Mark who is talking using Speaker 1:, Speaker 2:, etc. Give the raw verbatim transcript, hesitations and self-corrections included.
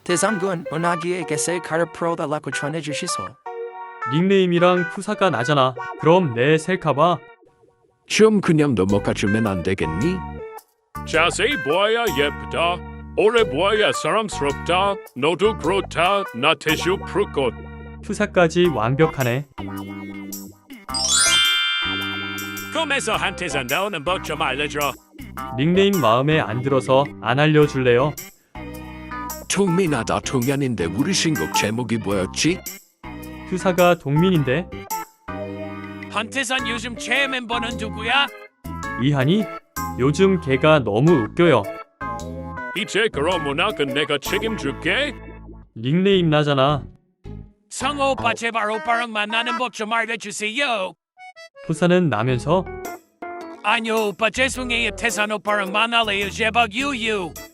Speaker 1: 대상군 은하기에게 셀카를 풀어달라고 전해주시소.
Speaker 2: 닉네임이랑 푸사가 나잖아. 그럼 내 셀카봐.
Speaker 3: 좀 그냥 넘어가주면 안 되겠니?
Speaker 4: 자세히 보아야 예쁘다. 오래 보아야 사람스럽다. 너도 그렇다. 나 태슈 푸르꽃.
Speaker 2: 푸사까지 완벽하네.
Speaker 4: 꿈에서 한테서 나오는 법 좀 알려줘.
Speaker 2: 닉네임 마음에 안 들어서 안 알려줄래요?
Speaker 3: 통민하다 통연인데 우리 신곡 제목이 뭐였지?
Speaker 2: 푸사가 동민인데
Speaker 4: 한테선 요즘 최애 멤버는 누구야?
Speaker 2: 이한이? 요즘 걔가 너무 웃겨요.
Speaker 4: 이제 그럼 문학은 내가 책임줄게.
Speaker 2: 닉네임 나잖아.
Speaker 4: 성호 오빠 제발 오빠랑 만나는 법 좀 알려주세요.
Speaker 2: 푸사는 나면서
Speaker 4: 아니요 오빠 죄송해요 태산 오빠랑 만날래요 제발 유유.